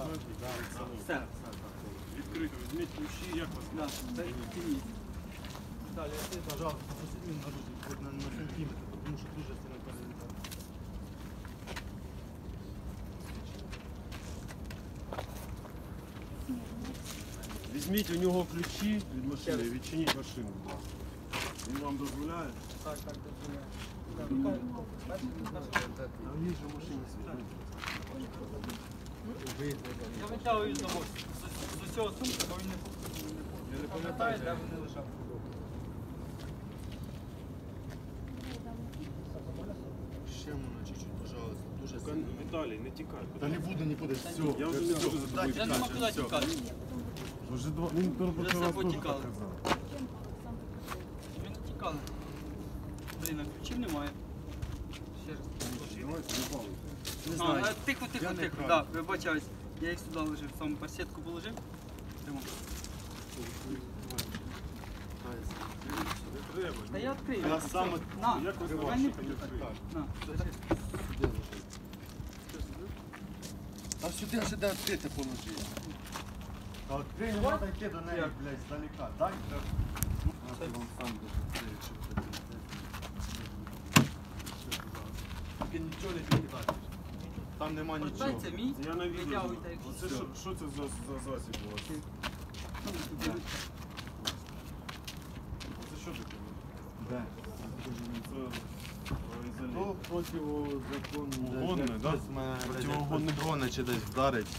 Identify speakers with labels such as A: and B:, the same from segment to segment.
A: Все.
B: Відкрито, візьміть ключі, як вас?
A: Далі, пожалуйста, посидіть на руці, хоч на сантиметр, тому що дуже сильно перелітає.
B: Візьміть у нього ключі від машини і відчиніть машину, будь ласка. Він вам дозволяє?
A: Так, дозволяє. А в ній же в машині світло.
C: Я витягую з усього сумки, бо він не пам'ятає, де вони лежать.
A: Ще можна чуть-чуть, пожалуйста, дуже сильно.
B: Віталій, не тікай.
A: Та не буду нікуди, все.
B: Я вже не буду за тобою
C: Я нема куди тікати.
B: Вже два, він перший раз
C: собою
B: теж
C: тікали.
B: так казав.
C: Ми не тікали. Блін, а ключів немає. Ще раз.
B: Давайте, не балуйте.
A: Не
C: А,
A: знаю.
C: тихо,
A: Я не
C: тихо.
A: крав.
C: Так, вибачаюсь. Я їх сюди лежив, саме парсетку положив. Прямо.
B: Не треба.
C: Та я відкрию.
A: Я сам
C: На,
B: Як ви
C: давай не
B: бачите, не треба.
C: На,
A: А сюди відкрити положи. А відкрий, не треба йти до неї, блядь, здалека. Дай, я вам сам відкрию, що ви тільки нічого не підкидаєш. Там нема нічого.
C: Портайте мій,
B: Я на відео.
C: витягуйте як
B: Оце що це за засіб у вас? Це що таке?
A: Де?
B: Це
A: Ну, противозаконне.
B: Угонне, да?
A: Противогонне дрона чи десь вдарить.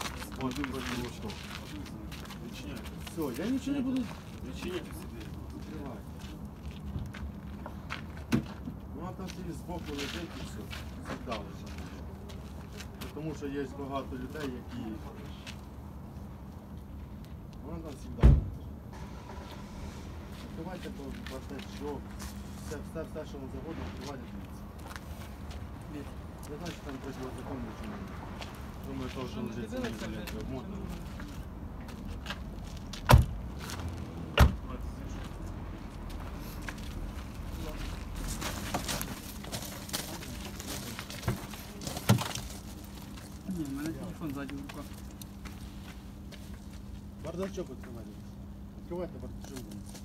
B: Відчиняйте.
A: Все, я нічого не буду
B: Відчиняйте собі.
A: відкривати. Ну, а там собі збоку лежить і все. Завдали. Тому що є багато людей, які... Вона там завжди. Відкривайте бардачок. Все, що вам заводить, відкривайте. Я знаю, що там противозаконне чи ні. Думаю, то вже лежить самі ізоляція обмотано.
C: Ні, в мене телефон ззаді в руках.
A: Бардачок відкривайте. Відкривайте бардачок.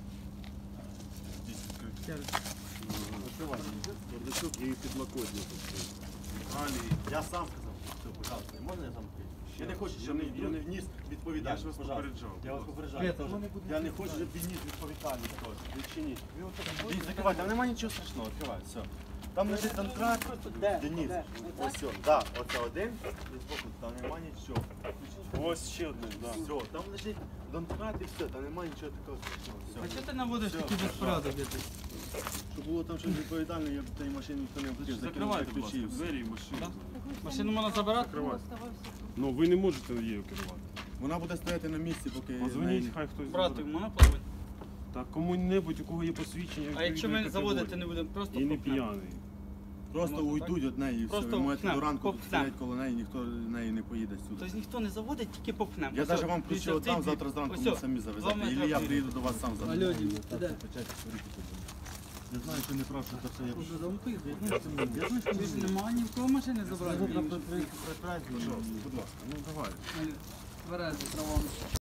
C: Ще раз.
A: Відкривайте.
B: Бардачок і підлокотник.
A: Я сам сказав, все, пожалуйста, можна я сам відкрию? Я не хочу, щоб
B: Я не-
A: вніс
B: Я
A: відповідальність,
B: ж вас
A: пожалуйста.
B: попереджав.
A: Я вас попереджаю.
C: Я теж.
A: Я не хочу, щоб він ніс відповідальність теж.
B: Відчиніть.
A: Закривай, там немає нічого страшного, відкривай, все. Там лежить контракт, Денис. Ось все, так, оце один, і збоку, там немає нічого.
B: Ось ще одне, да.
A: Все, там лежить контракт і все, там немає нічого такого страшного.
C: А
A: Все.
C: чого ти наводиш
A: Все,
C: такий безпорядок? якийсь?
A: Щоб було там щось відповідальне, я б тієї машини ніхто не хотів,
B: Закривайте, будь ласка,
A: ключі і все.
B: двері і машину.
C: Да? Машину можна забирати?
B: Закривайте. Ну, ви не можете її керувати.
A: Вона буде стояти на місці, поки...
B: Позвоніть, хай хтось
C: Брати,
B: забере.
C: можна позвонити?
B: Так кому-небудь, у кого є посвідчення.
C: А якщо ми заводити не будемо, просто
B: І не
C: попнемо?
B: п'яний.
A: Просто
C: Можна
A: уйдуть від неї і все.
C: Просто
A: Ви можете
C: попнем,
A: до ранку тут
C: попнем.
A: стоять коло неї, ніхто неї не поїде сюди.
C: Тобто ніхто не заводить, тільки попнемо.
A: Я
C: Ось,
A: навіть вам
C: дивіться,
A: ключі
C: цей
A: віддам,
C: двір.
A: завтра зранку
C: Ось,
A: ви самі завезете.
C: два
A: Ілі
C: метри
A: я
C: двір.
A: приїду до вас сам заберу.
C: Алло, Дім, ти де?
A: Я знаю, що не прав, що це все я...
C: Уже зампив. Ти ж нема ні в кого машини забрати.
A: Будь ласка, ну давай.
C: Тверези, травами.